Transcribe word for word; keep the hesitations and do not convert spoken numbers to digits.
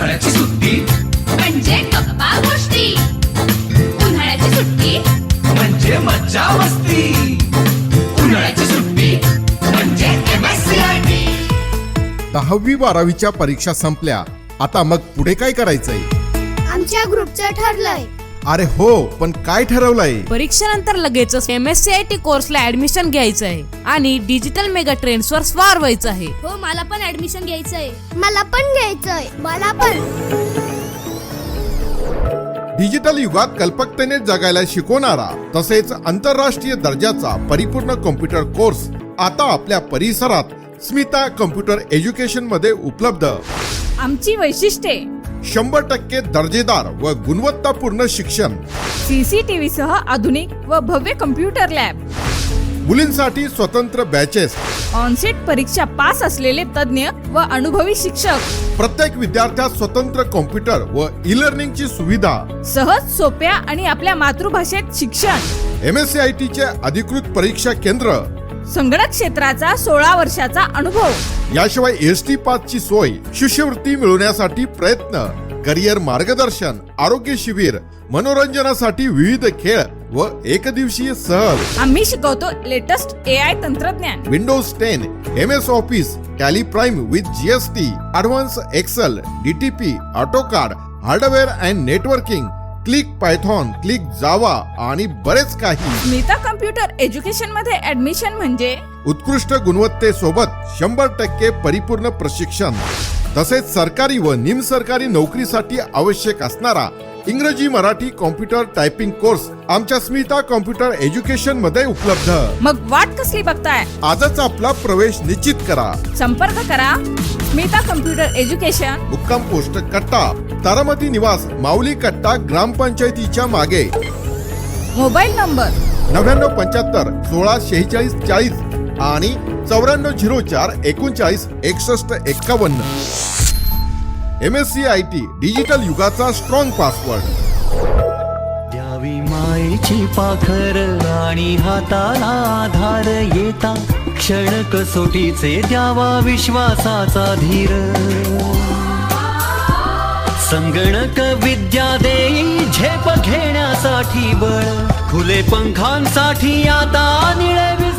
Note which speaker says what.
Speaker 1: उन्हाळ्याची सुट्टी
Speaker 2: म्हणजे गप्पा गोष्टी, उन्हाळ्याची सुट्टी
Speaker 1: म्हणजे मज्जा मस्ती, उन्हाळ्याची सुट्टी म्हणजे M S C I T.
Speaker 3: दहावी बारावीच्या परीक्षा संपल्या, आता मग पुढे काय करायचंय?
Speaker 4: आमच्या ग्रुपचं ठरलंय.
Speaker 3: अरे हो, पण काय ठरवलंय?
Speaker 5: परीक्षेनंतर लगेचच M S C I T कोर्सला ऍडमिशन घ्यायचं आहे आणि डिजिटल मेगा ट्रेंड्स वर स्वार व्हायचं आहे.
Speaker 4: हो, मला पण ऍडमिशन घ्यायचंय. मला पण घ्यायचंय. मला पण.
Speaker 3: डिजिटल युगात कल्पकतेने जगायला शिकवणारा तसेच आंतरराष्ट्रीय दर्जाचा परिपूर्ण कॉम्प्युटर कोर्स आता आपल्या परिसरात स्मिता कॉम्प्युटर एज्युकेशन मध्ये उपलब्ध.
Speaker 5: आमची वैशिष्ट्ये:
Speaker 3: शंभर टक्के दर्जेदार व गुणवत्तापूर्ण शिक्षण,
Speaker 5: सीसीटीव्ही सह आधुनिक व भव्य कम्प्युटर लॅब,
Speaker 3: मुलींसाठी स्वतंत्र बॅचेस,
Speaker 5: ऑनसेट परीक्षा पास असलेले तज्ञ व अनुभवी शिक्षक,
Speaker 3: प्रत्येक विद्यार्थ्यास स्वतंत्र कॉम्प्युटर व ई लर्निंगची सुविधा,
Speaker 5: सहज सोप्या आणि आपल्या मातृभाषेत शिक्षण,
Speaker 3: M S C I T चे अधिकृत परीक्षा केंद्र,
Speaker 5: संगणक क्षेत्राचा सोळा वर्षाचा अनुभव,
Speaker 3: याशिवाय एस टी पास ची सोय, शिष्यवृत्ती मिळवण्यासाठी प्रयत्न, करिअर मार्गदर्शन, आरोग्य शिबिर, मनोरंजनासाठी विविध खेळ व एकदिवसीय सहल.
Speaker 5: आम्ही शिकवतो लेटेस्ट ए आय तंत्रज्ञान,
Speaker 3: Windows ten, M S office, Tally prime with G S T, advance Excel, D T P, AutoCAD, hardware and networking, click Python, click Java आणि बरेच काही.
Speaker 5: स्मिता कम्प्युटर एज्युकेशन मध्ये ऍडमिशन म्हणजे
Speaker 3: उत्कृष्ट गुणवत्तेसोबत शंभर टक्के परिपूर्ण प्रशिक्षण, तसेच सरकारी व निमसरकारी नोकरीसाठी आवश्यक असणारा इंग्रजी मराठी कॉम्प्युटर टायपिंग कोर्स आमच्या स्मिता कॉम्प्युटर एज्युकेशन मध्ये उपलब्ध.
Speaker 5: मग वाट कसली बघताय?
Speaker 3: आजच आपला प्रवेश निश्चित करा.
Speaker 5: संपर्क करा स्मिता कम्प्युटर एज्युकेशन,
Speaker 3: मुक्काम पोस्ट कट्टा, तारामती निवास, माऊली कट्टा, ग्रामपंचायतीच्या मागे.
Speaker 5: मोबाईल नंबर
Speaker 3: नव्याण्णव पंच्याहत्तर सोळा शेहेचाळीस चाळीस आणि चौऱ्याण्णव झिरो चार एकोणचाळीस एकसष्ट एक्कावन्न. M S C I T digital युगाचा स्ट्रॉंग पासवर्ड.
Speaker 6: द्यावी मायेची पाखर आणि हाताला आधार, येता क्षण कसोटीचे द्यावा विश्वासाचा धीर. संगणक विद्या देई झेप घेण्यासाठी बळ, खुले पंखांसाठी आता निळवी